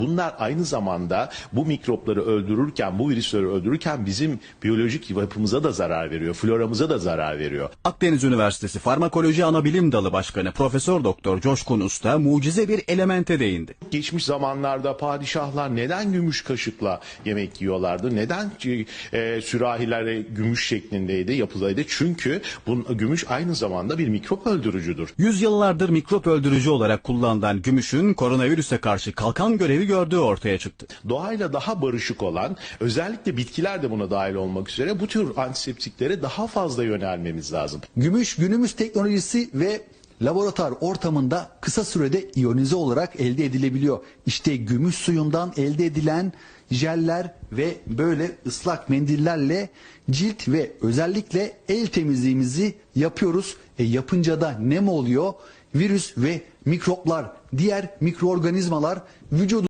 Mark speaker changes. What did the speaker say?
Speaker 1: Bunlar aynı zamanda bu mikropları öldürürken, bu virüsleri öldürürken bizim biyolojik yapımıza da zarar veriyor, floramıza da zarar veriyor.
Speaker 2: Akdeniz Üniversitesi Farmakoloji Anabilim Dalı Başkanı Profesör Doktor Coşkun Usta mucize bir elemente değindi.
Speaker 1: Geçmiş zamanlarda padişahlar neden gümüş kaşıkla yemek yiyorlardı? Neden sürahilere gümüş şeklindeydi, yapıdaydı? Çünkü gümüş aynı zamanda bir mikrop öldürücüdür.
Speaker 2: Yüzyıllardır mikrop öldürücü olarak kullanılan gümüşün koronavirüse karşı kalkan görevi gördüğü ortaya çıktı.
Speaker 1: Doğayla daha barışık olan, özellikle bitkiler de buna dahil olmak üzere bu tür antiseptiklere daha fazla yönelmemiz lazım.
Speaker 3: Gümüş günümüz teknolojisi ve laboratuvar ortamında kısa sürede iyonize olarak elde edilebiliyor. İşte gümüş suyundan elde edilen jeller ve böyle ıslak mendillerle cilt ve özellikle el temizliğimizi yapıyoruz. Yapınca da ne mi oluyor? Virüs ve mikroplar, diğer mikroorganizmalar vücudu